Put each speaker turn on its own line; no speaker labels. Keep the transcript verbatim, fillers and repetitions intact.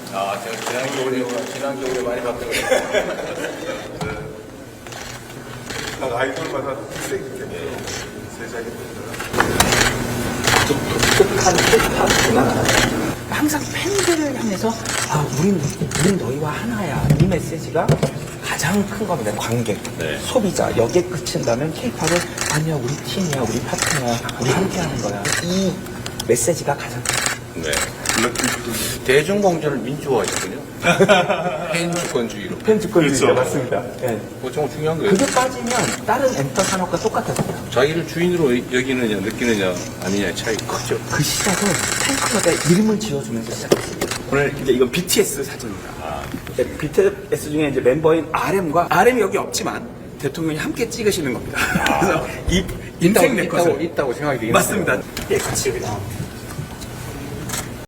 아, 제가 지난겨울에, 지난겨울에 많이 봤던 거예요.
각 아이돌마다 특색이 있겠네요. 세상에
좀 독특한 힙합 문화가 항상 팬들을 향해서 아, 우린, 우린 너희와 하나야. 이 메시지가 가장 큰 겁니다. 관객,
네.
소비자. 여기에 그친다면 K-팝은 아니야, 우리 팀이야, 우리 파트너야, 우리 함께 하는 거야. 이 메시지가 가장 큰
네. 대중공전을 민주화했거든요. 팬주권주의로.
팬주권주의자
그렇죠.
맞습니다. 네.
그거 정말 중요한 거예요.
그게 빠지면 다른 엔터 산업과 똑같아서요.
자기를 주인으로 여기느냐, 느끼느냐, 아니냐의 차이 크죠.
그 시작은 팬클럽에 이름을 지어주면서 시작했습니다. 오늘 이제 이건 비티에스 사진입니다.
아,
비티에스 중에 이제 멤버인 알엠과 알엠이 여기 없지만 대통령이 함께 찍으시는 겁니다. 그래서 이 인생
있다고,
네컷을
있다고, 있다고 생각이 되긴
맞습니다. 예, 같이 여기 나옵니다.